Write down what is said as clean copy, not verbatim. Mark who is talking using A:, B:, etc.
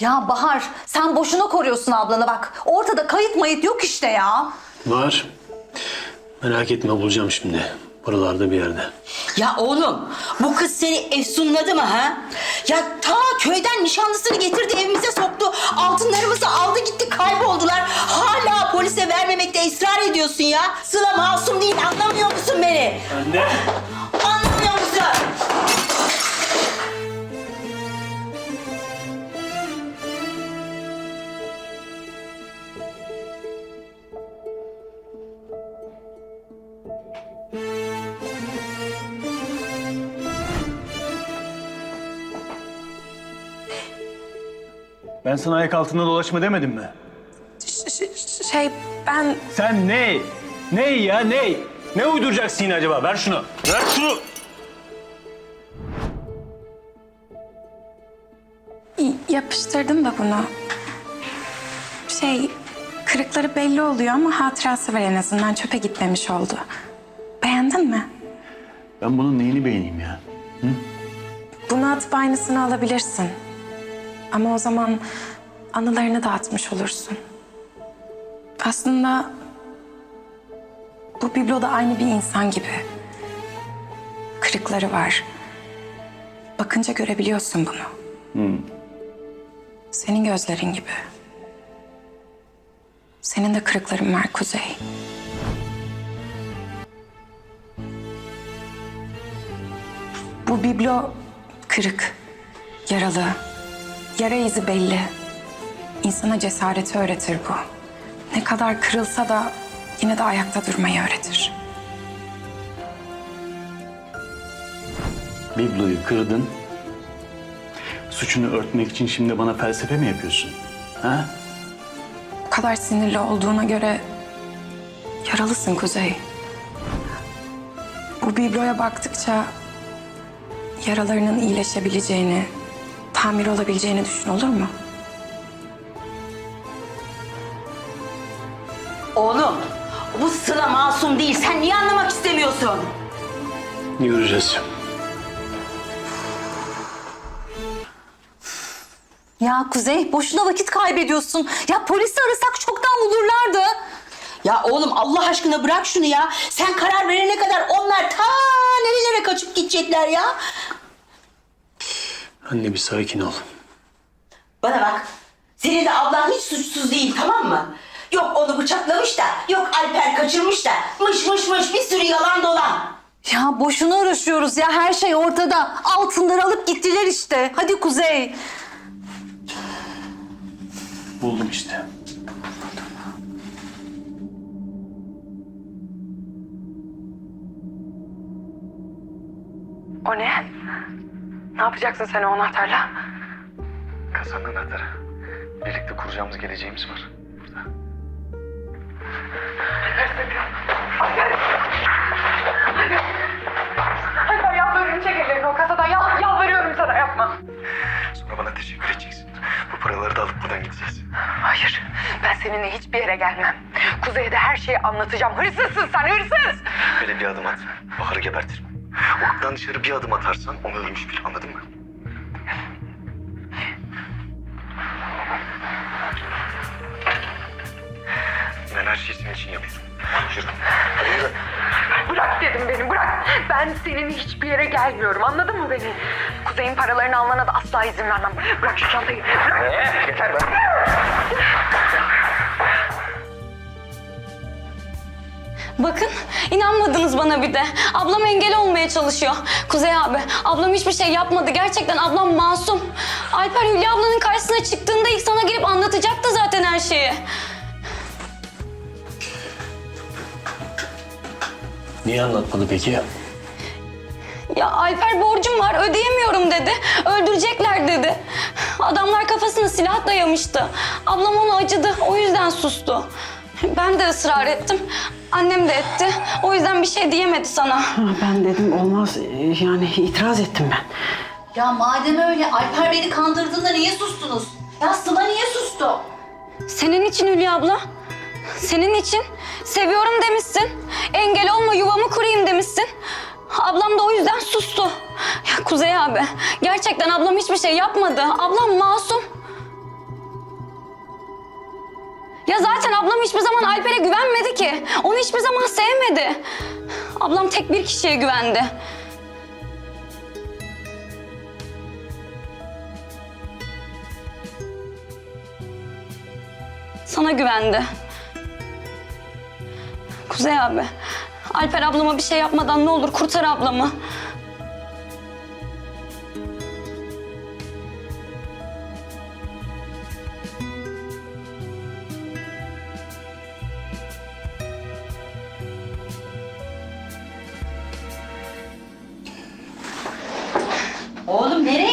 A: Ya Bahar, sen boşuna koruyorsun ablanı bak. Ortada kayıt mayıt yok işte ya.
B: Var. Merak etme, bulacağım şimdi. Buralarda bir yerde.
C: Ya oğlum, bu kız seni efsunladı mı ha? Ya ta köyden nişanlısını getirdi, evimize soktu. Altınlarımızı aldı gitti, kayboldular. Hala polise vermemekte ısrar ediyorsun ya. Sıla masum değil, anlamıyor musun beni?
B: Anne.
C: Anlamıyor musun?
D: Ben sana ayak altında dolaşma demedim mi?
E: Ben
D: Sen ne? Ne ya ne? Ne uyduracaksın yine acaba? Ver şunu. Ver şunu.
E: yapıştırdım da bunu. Kırıkları belli oluyor ama hatırası var en azından. Çöpe gitmemiş oldu. Beğendin mi?
D: Ben bunun neyini beğeneyim ya?
E: Bunu atıp aynısını alabilirsin. Ama o zaman anılarını dağıtmış olursun. Aslında bu biblo da aynı bir insan gibi. Kırıkları var. Bakınca görebiliyorsun bunu. Senin gözlerin gibi. Senin de kırıkların var Kuzey. Bu biblo kırık, yaralı. Yara izi belli. İnsana cesareti öğretir bu. Ne kadar kırılsa da yine de ayakta durmayı öğretir.
D: Bibloyu kırdın. Suçunu örtmek için şimdi bana felsefe mi yapıyorsun? Ha?
E: Bu kadar sinirli olduğuna göre yaralısın Kuzey. Bu bibloya baktıkça yaralarının iyileşebileceğini, tamir olabileceğini düşün, olur mu?
C: Oğlum, bu Sıla masum değil. Sen niye anlamak istemiyorsun?
B: Göreceğiz.
A: Ya Kuzey, boşuna vakit kaybediyorsun. Ya polisi arasak çoktan bulurlardı.
C: Ya oğlum Allah aşkına bırak şunu ya. Sen karar verene kadar onlar ta nerelere kaçıp gidecekler ya.
B: Anne bir sakin ol.
C: Bana bak. Senin de ablan hiç suçsuz değil, tamam mı? Yok onu bıçaklamış da, yok Alper kaçırmış da, mış bir sürü yalan dolan.
A: Ya boşuna uğraşıyoruz ya, her şey ortada. Altınları alıp gittiler işte. Hadi Kuzey.
D: Buldum işte.
E: O ne? Ne yapacaksın sen o anahtarla?
F: Kasanın anahtarı. Birlikte kuracağımız geleceğimiz var burada.
E: Alper yalvarıyorum, çek ellerini o kasadan. Yalvarıyorum sana, yapma.
F: Sonra bana teşekkür edeceksin. Bu paraları da alıp buradan gideceğiz.
E: Hayır, ben seninle hiçbir yere gelmem. Kuzey'e de her şeyi anlatacağım. Hırsızsın sen, hırsız!
F: Böyle bir adım at. Bahar'ı gebertirim. O kapıdan dışarı bir adım atarsan onu ölmüş bil. Anladın mı? Ben her şeyi senin için yapıyorum. Yürü. Hadi yürü.
E: Bırak dedim beni, bırak. Ben seninle hiçbir yere gelmiyorum, anladın mı beni? Kuzey'in paralarını almana da asla izin vermem. Bırak şu çantayı, bırak.
F: Yeter be.
G: Bakın, inanmadınız bana bir de. Ablam engel olmaya çalışıyor. Kuzey abi, ablam hiçbir şey yapmadı. Gerçekten ablam masum. Alper Hülya ablanın karşısına çıktığında ilk sana gelip anlatacaktı zaten her şeyi.
B: Niye anlatmadı peki?
G: Ya Alper borcum var, ödeyemiyorum dedi. Öldürecekler dedi. Adamlar kafasına silah dayamıştı. Ablam ona acıdı, o yüzden sustu. Ben de ısrar ettim. Annem de etti. O yüzden bir şey diyemedi sana.
H: Ben dedim olmaz, yani itiraz ettim ben.
A: Ya madem öyle, Alper beni kandırdığında niye sustunuz? Ya Sıla niye sustu?
G: Senin için Hülya abla. Senin için. Seviyorum demişsin. Engel olma, yuvamı kurayım demişsin. Ablam da o yüzden sustu. Ya Kuzey abi, gerçekten ablam hiçbir şey yapmadı. Ablam masum. Ya zaten ablam hiçbir zaman Alper'e güvenmedi ki. Onu hiçbir zaman sevmedi. Ablam tek bir kişiye güvendi. Sana güvendi. Kuzey abi, Alper ablama bir şey yapmadan ne olur kurtar ablamı.
C: Oğlum nereye